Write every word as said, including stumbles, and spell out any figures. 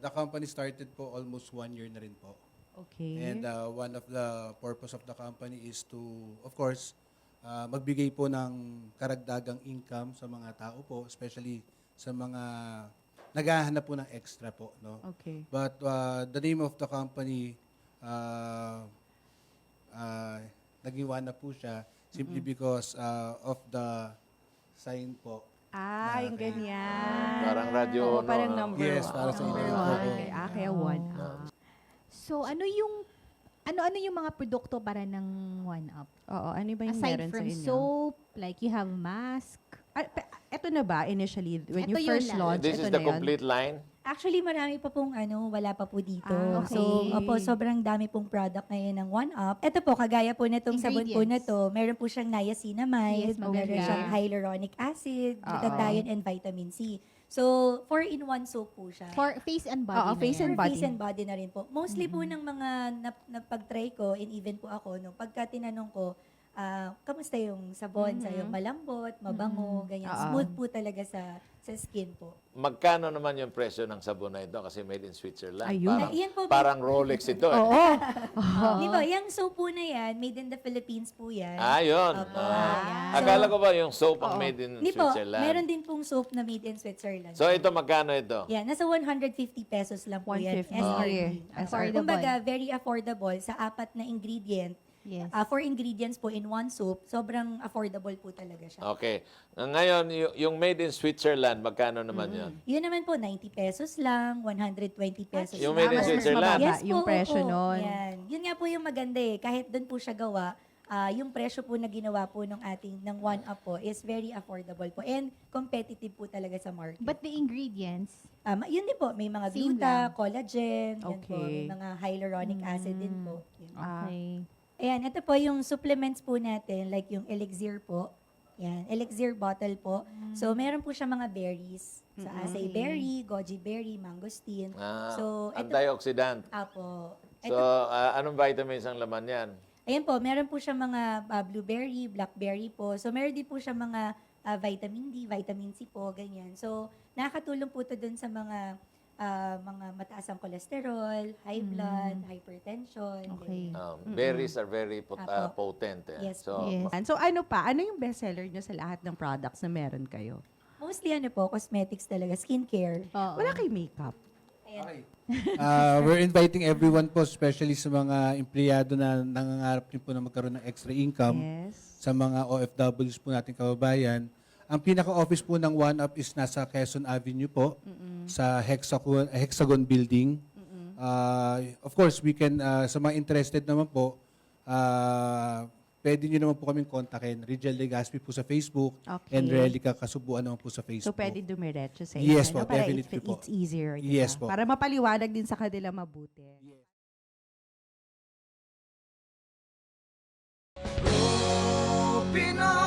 the company started po almost one year na rin po. Okay. And uh, one of the purpose of the company is to, of course, uh, magbigay po ng karagdagang income sa mga tao po, especially sa mga naghahanap po ng extra po. No? Okay. But uh, the name of the company, uh, uh, naging one na po siya simply Mm-mm. because uh, of the sign po. Ah, yung Okay. ganyan. Parang radyo, Oo, no, parang no? number Yes, one. para sa number inyo. one. Oo. Okay. Ah, kaya one. Oo. Ah. So, ano yung ano-ano yung mga produkto para ng One Up? Oo, ano ba yung Aside meron from sa inyo? soap, like you have mask. Ah, pe- eto na ba initially when Ito you yun first lang. launched? This ito is the na yun? complete line? Actually, marami pa pong ano, wala pa po dito. Ah, okay. So, opo, sobrang dami pong product ngayon ng One Up. Ito po, kagaya po na itong sabon po na Ingredients. to, meron po siyang niacinamide, Yes, maganda. meron siyang hyaluronic acid, Oo. glutathione, and vitamin C. So, four-in-one soap po siya. For face and body. Oo, na face yan. and For body. face and body na rin po. Mostly po ng mga nap- napag-try ko, and even po ako, no, pagka tinanong ko, ah, kamusta yung sabon, sa Mhm. yung malambot, mabango, ganyan. Oo. Smooth po talaga sa sa skin po. Magkano naman yung presyo ng sabon na ito? Kasi made in Switzerland. Ayun. Parang, Ah, yan po, parang Rolex ito. Eh. Oo. Di ba, yung soap po na yan, made in the Philippines po yan. Ah, yun. Opo, Ah. yan. Akala ko ba yung soap Oo. ang made in Hindi po, Switzerland? meron din pong soap na made in Switzerland. So ito, magkano ito? Yan, nasa one hundred fifty pesos lang po yan. one fifty. S R P. Ah. Affordable. Kumbaga, very affordable sa apat na ingredient. Yes. Uh, four ingredients po in one soap, sobrang affordable po talaga siya. Okay. Ngayon, y- yung made in Switzerland, magkano naman yun? Yun naman po, ninety pesos lang, one hundred twenty pesos Yung lang. made in mas Switzerland? mababa Yes po, yung presyo oo. nun. Yan. Yun nga po yung maganda eh. Kahit doon po siya gawa, ah, yung presyo po na ginawa po ng ating, ng One Up po is very affordable po and competitive po talaga sa market. But the ingredients, Um, yun din po, may mga Same gluta, lang. collagen, yan po, Okay. may mga hyaluronic acid din po. Yun. Ah. okay. Ayan, ito po yung supplements po natin, like yung elixir po. Yan, elixir bottle po. So, meron po siya mga berries. So, acai berry, goji berry, mangosteen. Ah, So, ito- antioxidant. Apo. So, Ito, ah, anong vitamins ang laman yan? ayan po, meron po siya mga ah, blueberry, blackberry po. So, meron din po siya mga ah, vitamin D, vitamin C po, ganyan. So, nakakatulong po ito dun sa mga ah, mga mataas ang cholesterol, high blood, hypertension. Okay. ganyan. Um, berries are very pot- ah, Apo. potent. Eh. Yes, So, Yes. And so ano pa? Ano yung bestseller nyo sa lahat ng products na meron kayo? Mostly ano po, cosmetics talaga, skincare. Oo. Wala kay makeup. Ayan. Okay. Uh, we're inviting everyone po, especially sa mga empleyado na nangangarap din po na magkaroon ng extra income, Yes. sa mga O F Ws po nating kababayan. Ang pinaka-office po ng One Up is nasa Quezon Avenue po, sa Hexagon, Hexagon Building. Uh, of course, we can, uh, sa mga interested naman po, uh, pwede nyo naman po kaming kontakin. Rigel Legaspi po sa Facebook, Okay. and Relica Kasubuan naman po sa So Facebook. pwede dumiretso sa Yes inyo, po, no? Para definitely it's, po. it's easier. diba? Yes po. Para mapaliwanag din sa kanila mabuti. Pinoy